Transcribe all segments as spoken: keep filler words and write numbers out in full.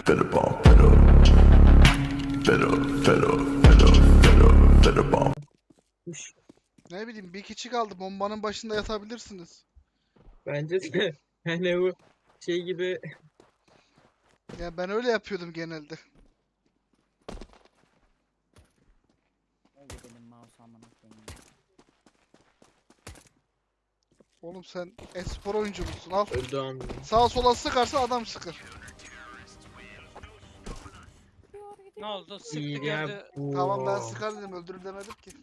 Fed bomb, fed up. Fed up, fed up, fed up, fed up, fed up bomb. Ne bileyim bir kişi kaldı. Bombanın başında yatabilirsiniz. Bence de hani bu şey gibi Ya ben öyle yapıyordum genelde. Oldu benim mouse amına koyayım. Oğlum sen e-spor oyuncu musun? Al. öldü anlı. Sağa sola sıkarsa adam sıkır. Ne oldu? Sıktı İyi gördü. ya bu. Tamam ben sıkar dedim, öldürür demedim ki.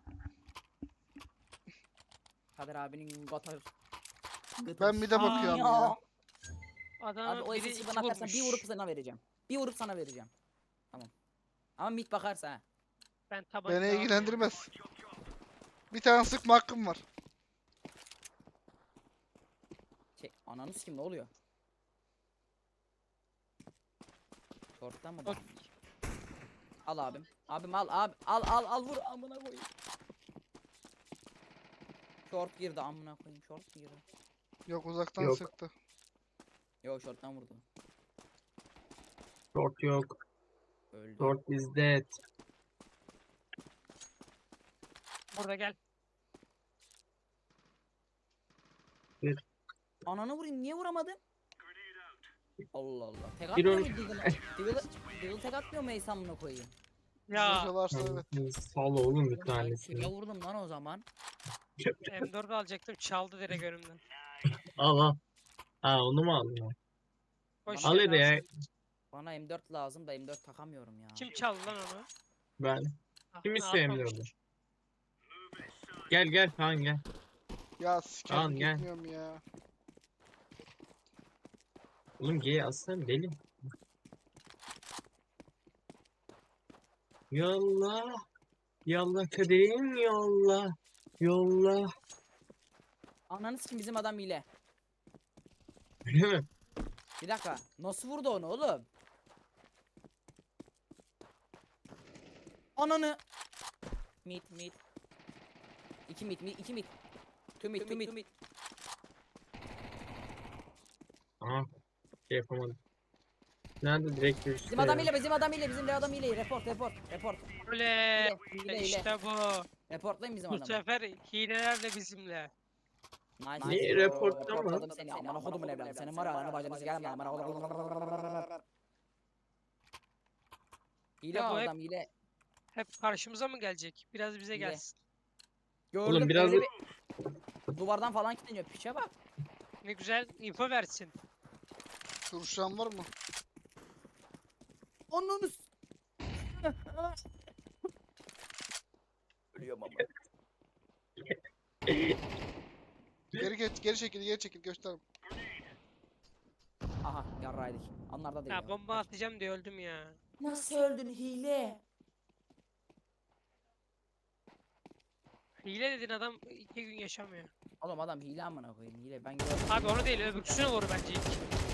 Kadir abinin gotar. Ben bir de bakıyorum ya. Abi Adamın o biri esesi iki bana atarsan bir vurup vurmuş. sana vereceğim. Bir vurup sana vereceğim. Tamam. Ama mid bakarsa ha. Ben tabanca Beni almıyorum. ilgilendirmez. Bir tane sıkma hakkım var. Şey, ananı kim ne oluyor? Short'tan mı Short. bakmış? Al abim. Abim al abi. Al al al vur amına koyayım. Short girdi amına koyayım. Short girdi. Yok uzaktan Yok. sıktı. Yo short'tan vurdu. Short yok. Öldü. Short is dead. Burada gel. Ananı vurayım niye vuramadın? Allah Allah. Tek Bir atmıyor on- mu Deagle'a? Deagle, Deagle tek atmıyor mu Ey amına koyayım? Ya Zırhı varsa evet. Sal oğlum bir Ya tanesini. vurdum lan o zaman. M dört alacaktım çaldı direkt önümden. Al al. Ha onu mu aldın? Boş Al ver, hadi ya. alsın. Bana M dört lazım da M dört takamıyorum ya. Kim çaldı lan onu? Ben. Ah, Kim ne istiyor yapmamış? emliyordum? Gel gel Kaan gel. Ya sikerim Tamam, gel. gitmiyorum ya. Oğlum G'yi alsana deli. Yolla. Yolla kaderim yolla. Yolla. Ananı sikim bizim adam hile. Öyle mi? Bir dakika. Nasıl vurdu onu oğlum? Ananı. Mit mit. İki mit mit iki mit. Tüm mit tüm mit. Aha. Şey yapamadım. Nerede direkt bir Bizim adam hile bizim adam hile bizim de adam hile. Report report report. Öyle. Hile hile hile. İşte bu. Reportlayın bizim Bu adamı. sefer hileler de bizimle. Nice. Ne, nice. reportta mı? Reportladım seni. Amına kodumun evladı. Senin var ya ananı bacını sikerim ben. Amına kodum. Hile Ya bu hep- adam hile. Hep karşımıza mı gelecek? Biraz bize Hile. gelsin. Gördüm Oğlum biraz öyle bir... Duvardan falan kilitleniyor. Piçe bak. Ne güzel info versin. Turşan var mı? Ananı s- Ölüyorum ama. Geri geç, geri çekil, geri çekil göster. Aha yarraydık. Anlarda değil. Ya bomba atacağım diye öldüm ya. Nasıl öldün hile? Hile dedin adam iki gün yaşamıyor. Oğlum adam hile amına koyayım hile ben gördüm. Abi onu değil öbürsüne vur bence ilk.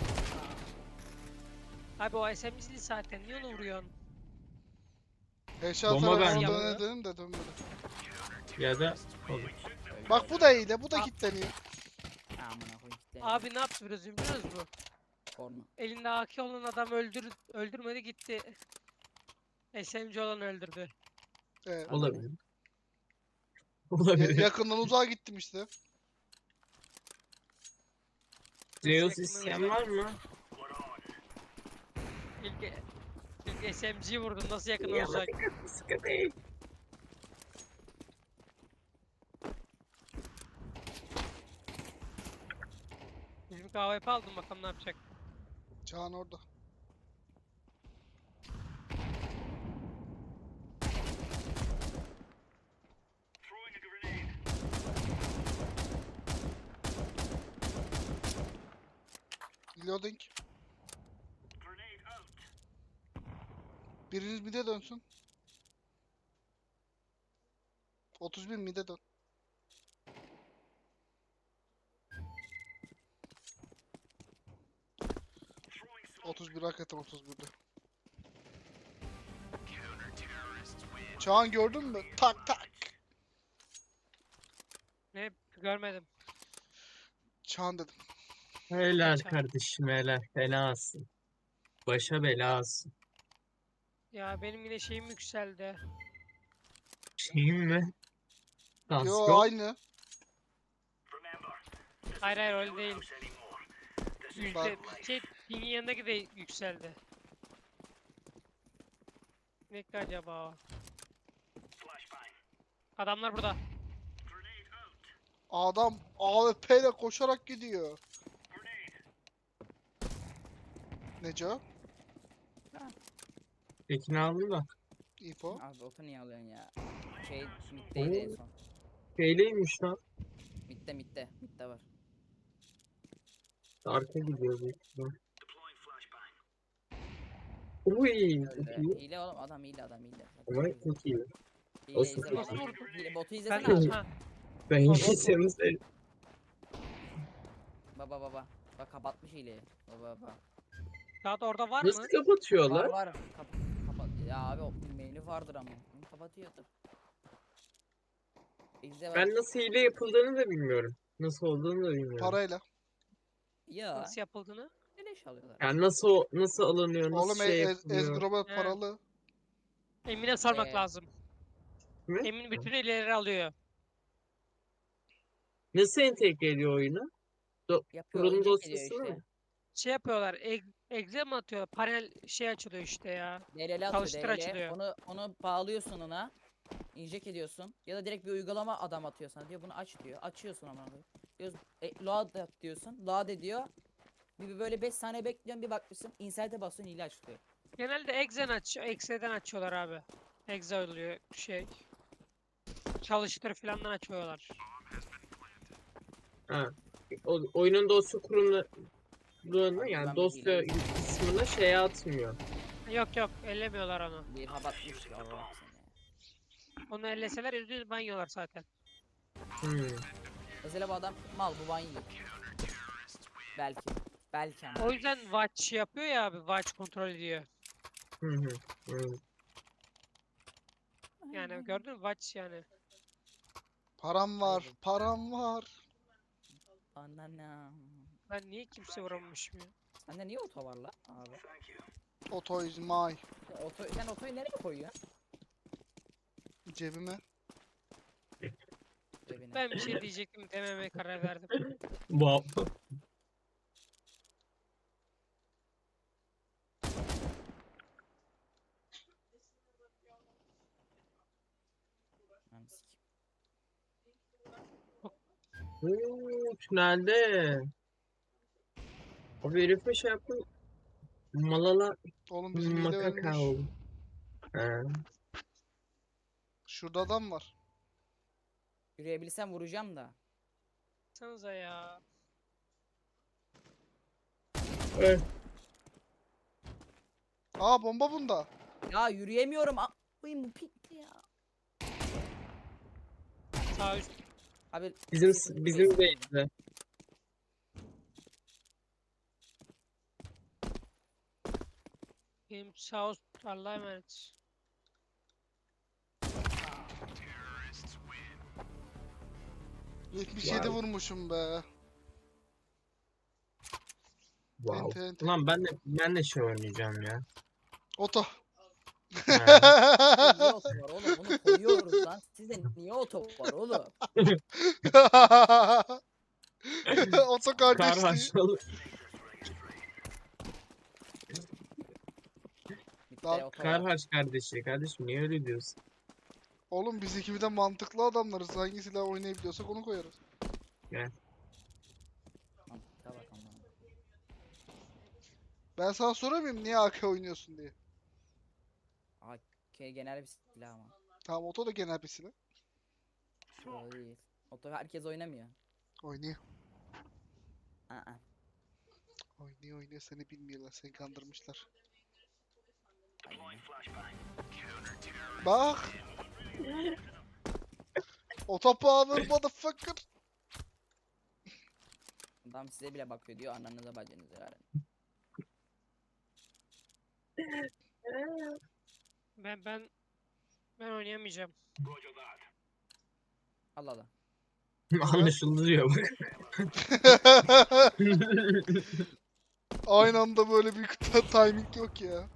Abi o S M G'li zaten niye onu vuruyorsun? Eşya Bomba tarafına bence. dönelim de dönmedi. ya da olur. Bak bu da iyi de bu da Aa. kilitleniyor. Ha, amına koyayım kitle. Abi ne yaptı biraz biliyorsunuz mu? Porno. Elinde A K olan adam öldür öldürmedi gitti. S M G olan öldürdü. Evet. Olabilir. Ya- Olabilir. yakından uzağa gittim işte. Zeus yakın isteyen olacak? var mı? İlk, ilk S M G'yi vurdum nasıl yakın Ya, olacak? Sıkı değil. Bizim K V P aldım bakalım ne yapacak. Çağan orada. Loading. Biriniz mide dönsün. otuz bir mide dön. otuz bir hakikaten otuz birde. Çağan gördün mü? Tak tak. Ne görmedim. Çağan dedim. Helal Kaç abi? kardeşim helal. Fenasın. Başa belası. Ya benim yine şeyim yükseldi. Şeyim mi? Yo Tansiyonu. aynı. Hayır hayır öyle değil. Bak. Yüzde şey pingin yanındaki de yükseldi. Ne ki acaba o? Adamlar burada. Adam A W P ile koşarak gidiyor. Neco? Tekini aldım da. Info. Abi oto niye alıyorsun ya? Şey middeydi en son. Şeyleymiş lan. Midde midde. Midde var. Arka gidiyor büyük ihtimal. Uy, çok Öyle. iyi. Hile oğlum adam hile adam hile. Ama çok iyi. Hile Olsun. izle Nasıl botu. vurdu? Hile, botu Ben izlesene de abi. ha. Ben Baba, yiyeceğimiz Baba baba. Bak kapatmış hileyi. Baba baba. Daha da orada var nasıl mı? Var kapatıyorlar? var. Kap kapat. Ya abi o menü vardır ama. Bunu kapatıyordur. İzle bak. Ben nasıl hile yapıldığını da bilmiyorum. Nasıl olduğunu da bilmiyorum. Parayla. Ya. Nasıl yapıldığını? Beleş alıyorlar. Yani nasıl nasıl alınıyor, nasıl Oğlum e şey Ez- yapılıyor. Ezgrob'a He. paralı. Emin'e sormak Ee, lazım. Mi? Emin bütün ileri alıyor. Nasıl entegre ediyor oyunu? Do Yapıyor. kurulum inject ediyor dosyası işte. mı? Şey yapıyorlar. Eg exe mi atıyor? Panel şey açılıyor işte ya. D L L atıyor Çalıştır D L L. açılıyor. Onu onu bağlıyorsun ona. Inject ediyorsun. Ya da direkt bir uygulama adam atıyor sana diyor bunu aç diyor. Açıyorsun ama. Diyorsun e, load yap diyorsun. Load ediyor. Bir bir böyle beş saniye bekliyorsun bir bakmışsın. Insert'e basıyorsun hile açılıyor. Genelde exe'den aç exe'den açıyorlar abi. Exe oluyor şey. Çalıştır filandan açıyorlar. Ha. O, oyunun dosya kurumlarını Abi yani ben dosya bileyim. kısmına şey atmıyor. Yok yok ellemiyorlar onu. Bir kapatmış ya Allah seni. Onu elleseler yüzde banyolar zaten. Hmm. Mesela bu adam mal bu ban yiyor. Belki. Belki ama. O yüzden watch yapıyor ya abi. Watch kontrol ediyor. Hı hı. Hı. Yani gördün mü? Watch yani. Param var. Hayır. Param var. Ananam. Ben niye kimse vuramamışım ya? Sende niye oto var lan abi? Auto is my. Oto, sen otoyu nereye koyuyorsun? Cebime. Cebine. Ben bir şey diyecektim dememeye karar verdim. Wow. Lan sikeyim. Oo, tünelde. O herife şey yaptım. Malala Oğlum bizim hile makaka ölmüş. oldu. He. Şurada adam var. Yürüyebilsem vuracağım da. Sanıza ya. Evet. Aa bomba bunda. Ya yürüyemiyorum. A Koyayım bu pikti ya. Sağ üst. Abi Bizim sesim bizim geliyor. de Benim sağ üst. Allah'a emanet. yetmiş yedi Wow. vurmuşum be. Wow. Ente, ente. Ulan ben de ben de şey oynayacağım ya. Oto. He. Niye oto var oğlum? Bunu koyuyoruz lan. Sizde niye oto var oğlum? Oto Kar kardeşliği. haşlalı. Bitti Lan, oto Kar var. haş kardeşi. Kardeşim niye öyle diyorsun? Oğlum biz ikimiz de mantıklı adamlarız. Hangi silah oynayabiliyorsak onu koyarız. Mantıkla bak ama. Ben sana soramıyorum niye A K oynuyorsun diye. K genel bir silah ama. Tamam oto da genel bir silah. O değil. Oto herkes oynamıyor. Oynuyor. Aa. Oynuyor oynuyor seni bilmiyorlar. Seni kandırmışlar. Aynen. Bak. Oto power motherfucker. Adam size bile bakıyor diyor ananıza bacınıza verin. Ben ben ben oynayamayacağım. Allah Allah. Anlaşıldı diyor bak. Aynı anda böyle bir timing yok ya.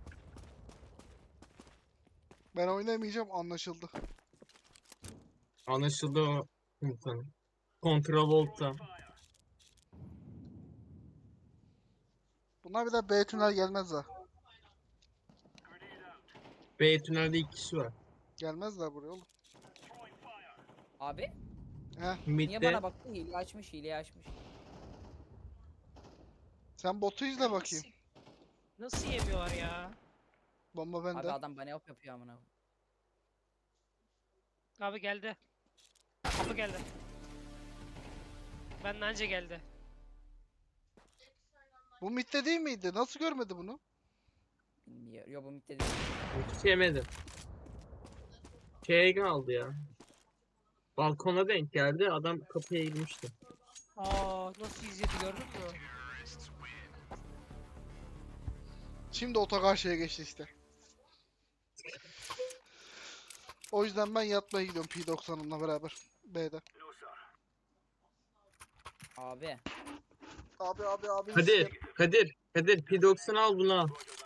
Ben oynamayacağım, anlaşıldı. Anlaşıldı o komutanım. Kontravolta. Bunlar bir daha B tünel gelmezler. B tünelde iki kişi var. Gelmezler buraya oğlum. Abi Heh, niye Mid'de bana baktın? Hile açmış, hile açmış. sen botu izle bakayım. Nasıl, nasıl yemiyorlar ya? Bomba Abi bende. adam bana op yapıyor amına. Abi geldi. Kapı geldi. Benden önce geldi. Bu midde değil miydi? Nasıl görmedi bunu? Bilmiyor. Yo bu mitte değil. hiç yemedim. Şeye kaldı ya. Balkona denk geldi. Adam kapıya girmişti. Aa, nasıl izledi gördün mü? Şimdi otogar şeye geçti işte. O yüzden ben yatmaya gidiyorum P doksanımla beraber. B'de. Abi. Abi abi abi. Kadir, Kadir, Kadir P doksan al bunu al.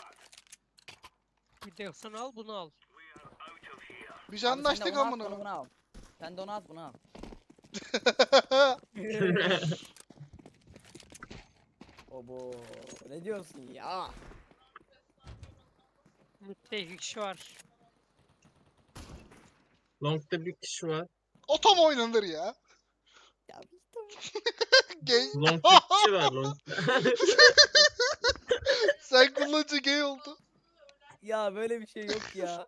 Bir de sen al bunu al. Biz Abi sen de anlaştık onu at, amına. onu bunu al. Sen de onu at, bunu al. Obo. Ne diyorsun ya? Mid'de iki kişi var. Long'da bir kişi var. Otom oynanır ya. Ya bir tamam. Gay. Long'da bir kişi var Long'da. Sen kullanıcı gay oldu. Ya böyle bir şey yok ya.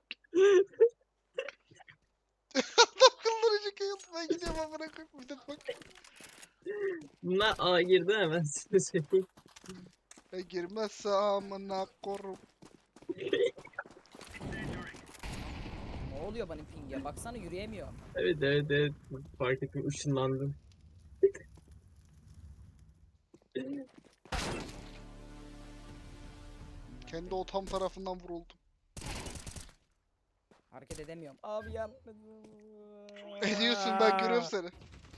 Adam kullanıcı gay oldu. Ben gidiyorum amına koyayım. Bir de bak. Bunlar A girdi hemen size söyleyeyim. E girmezse amına korum. Ne oluyor benim ping'e? Baksana yürüyemiyor. Evet evet evet. Fark ettim ışınlandım. Kendi otom tarafından vuruldum. Hareket edemiyorum. Abi yapma. Ediyorsun, ben görüyorum seni.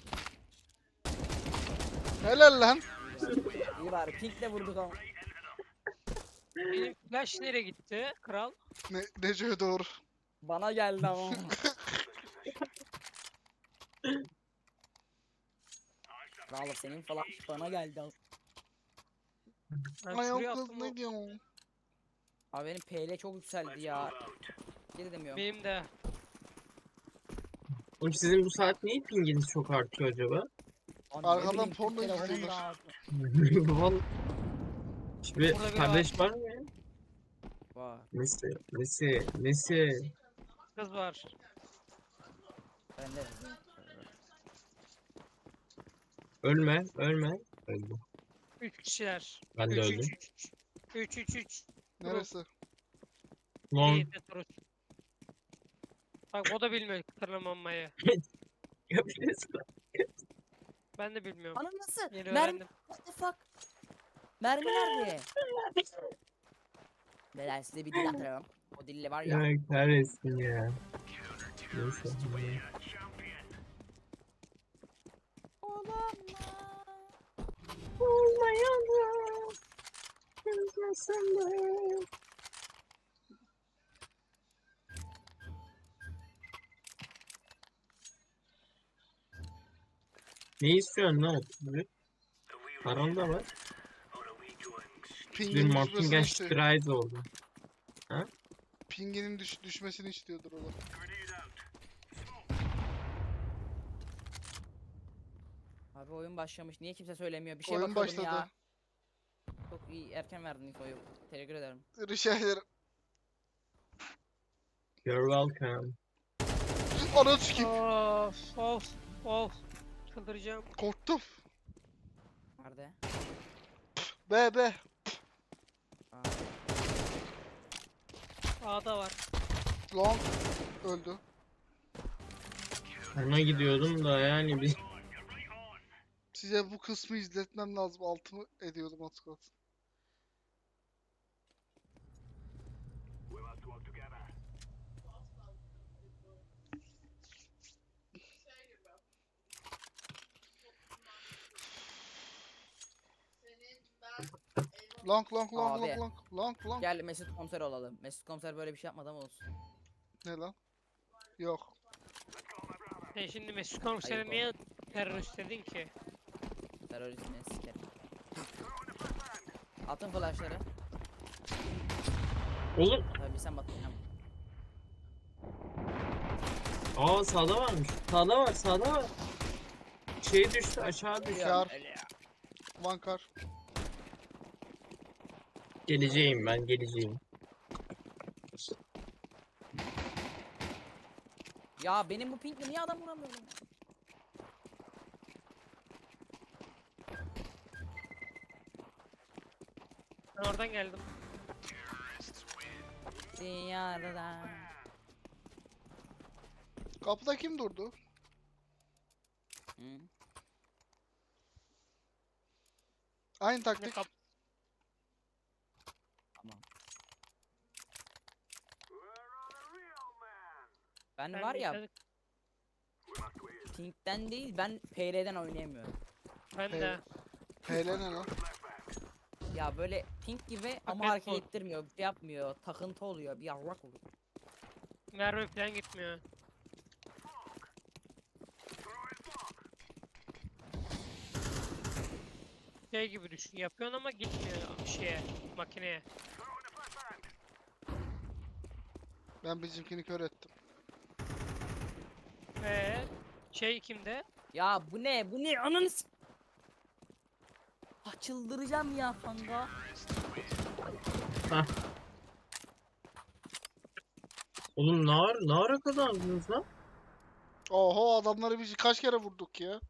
Helal lan. İyi bari pinkle vurduk ama. Benim flash nereye gitti kral? Ne, Nece'ye doğru. Bana geldi ama. Vallahi senin falan bana geldi ama. Ben Ay şuraya o kız attım o- ne diyorsun? Abi benim P L çok yükseldi ya. Geri demiyorum. Benim de. Oğlum sizin bu saat niye pinginiz çok artıyor acaba? Abi ne Arkadan bileyim, porno Türk telefonum izliyorlar. da- Vallahi. Şimdi Burada biri kardeş var mı ya? Var. Nesi? Nesi? Nesi? Kız var. Bende. Ölme, ölme. Öldüm. Üç kişiler. Ben de Üç, öldüm. üç, üç. Üç üç üç. Neresi? Long. İyi de Turut. Bak o da bilmiyor tırmanmayı. Yapıyorsun. Ben de bilmiyorum. Ana nasıl? Yeni Mermi. öğrendim. What the fuck? Mermi nerede? Beyler size bir dil atarım. O dille var ya. Ya kahretsin ya. Neyse. Ne istiyorsun lan otuz bir? Paran da var. Bir Pinginin Martin düşmesini istiyor. Gash oldu. Pinginin düş düşmesini istiyordur o da. Abi oyun başlamış. Niye kimse söylemiyor? Bir şey Oyun bakıyordum başladı. ya. Çok iyi erken verdin infoyu. Teşekkür ederim. Rica ederim. You're welcome. Ananı sikeyim. Of of of. Çıldıracağım. Korktum. Nerede? B B. Aa, A'da var. Long. Öldü. Ona gidiyordum da yani bir Size bu kısmı izletmem lazım. Altımı ediyordum az kalsın. Long long long Abi. long long long long. Gel Mesut komiser olalım. Mesut komiser böyle bir şey yapmadı ama olsun. Ne lan? Yok. Sen şimdi Mesut komiseri Ayıp niye terörist dedin ki? Teröristine sikerim. Atın flashları. Oğlum. Tabii sen batın. Aa sağda varmış. Sağda var sağda var. Şey düştü aşağı düştü. Kar. One car. Geleceğim ben geleceğim. Ya benim bu pinkle niye adam vuramıyorum ya? Ben oradan geldim. Dünyada. Kapıda kim durdu? Hı? Aynı Ne taktik. kap Tamam. Ben ben var ya de- pinkten değil ben P R'den oynayamıyorum. Ben Hey. de. P L ne lan? Ya böyle pink gibi ama Paket hareket bu. ettirmiyor, bir şey yapmıyor, takıntı oluyor, bir yarrak oluyor. Mermi falan gitmiyor. Şey gibi düşün. Yapıyorsun ama gitmiyor şeye, makineye. Ben bizimkini kör ettim. Ee, şey kimde? Ya bu ne? Bu ne? Ananı s- Ah, çıldıracağım ya kanka. Oğlum ne ara, ne ara kazandınız lan? Oho adamları biz kaç kere vurduk ya.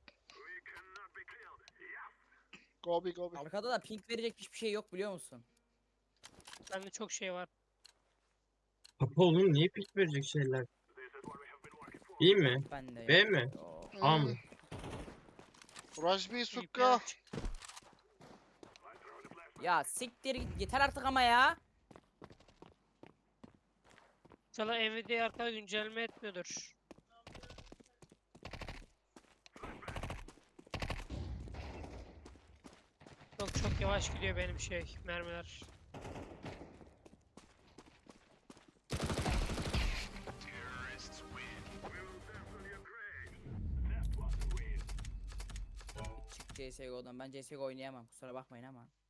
Gobi gobi. Arkada da pink verecek hiçbir şey yok biliyor musun? Bende çok şey var. Kapı oğlum niye pik verecek şeyler? İyi mi? Ben de B yok. mi? Yok. A mı? Rajbi İyi Sukka. plan. Ya siktir git yeter artık ama ya. İnşallah Nvidia arkada güncelleme etmiyordur. Çok çok yavaş gidiyor benim şey mermiler. Çık C S G O'dan ben C S G O oynayamam kusura bakmayın ama.